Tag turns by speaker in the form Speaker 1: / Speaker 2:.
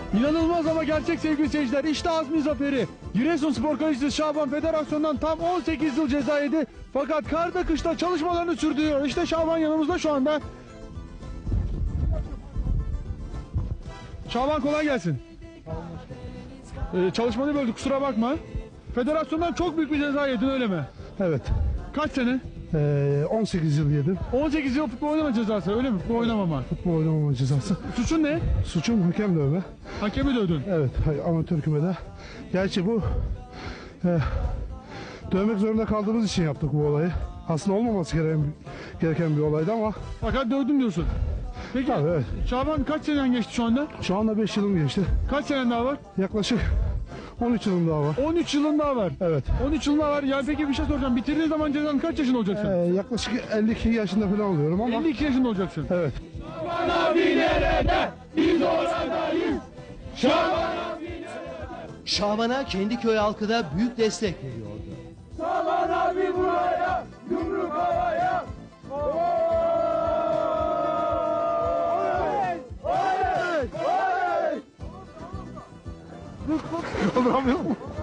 Speaker 1: İnanılmaz ama gerçek sevgili seyirciler. İşte Azmi zaferi. Giresunspor kalecisi Şaban federasyondan tam 18 yıl ceza yedi. Fakat karda kışta çalışmalarını sürdürüyor. İşte Şaban yanımızda şu anda. Şaban kolay gelsin. Çalışmanı böldük, kusura bakma. Federasyondan çok büyük bir ceza yedin, öyle mi?
Speaker 2: Evet.
Speaker 1: Kaç sene?
Speaker 2: 18 yıl yedim.
Speaker 1: 18 yıl futbol oynama cezası, öyle mi? Futbol oynamama.
Speaker 2: Futbol oynamama cezası.
Speaker 1: Suçun ne?
Speaker 2: Suçum hakem dövme.
Speaker 1: Hakemi dövdün.
Speaker 2: Evet, amatör kümede. Gerçi bu dövmek zorunda kaldığımız için yaptık bu olayı. Aslında olmaması gereken bir olaydı ama.
Speaker 1: Fakat dövdün diyorsun. Peki
Speaker 2: Tabii, evet.
Speaker 1: Şaban kaç seneden geçti şu anda?
Speaker 2: Şu anda 5 yılım geçti.
Speaker 1: Kaç senen daha var?
Speaker 2: Yaklaşık 13 yılım daha var.
Speaker 1: 13 yılın daha var.
Speaker 2: Evet.
Speaker 1: 13 yılın daha var. Yani peki bir şey soracağım. Bitirdiğin zaman cezanın kaç yaşında olacaksın?
Speaker 2: Yaklaşık 52 yaşında falan oluyorum ama.
Speaker 1: 52 yaşında olacaksın.
Speaker 2: Evet.
Speaker 1: Şaban abi nerede? Biz oradayız. Şaban abi nerede?
Speaker 3: Şaban'a kendi köy halkı da büyük destek veriyordu.
Speaker 1: Şaban abi buraya, yumruk havaya.
Speaker 2: Kaldıramıyorum.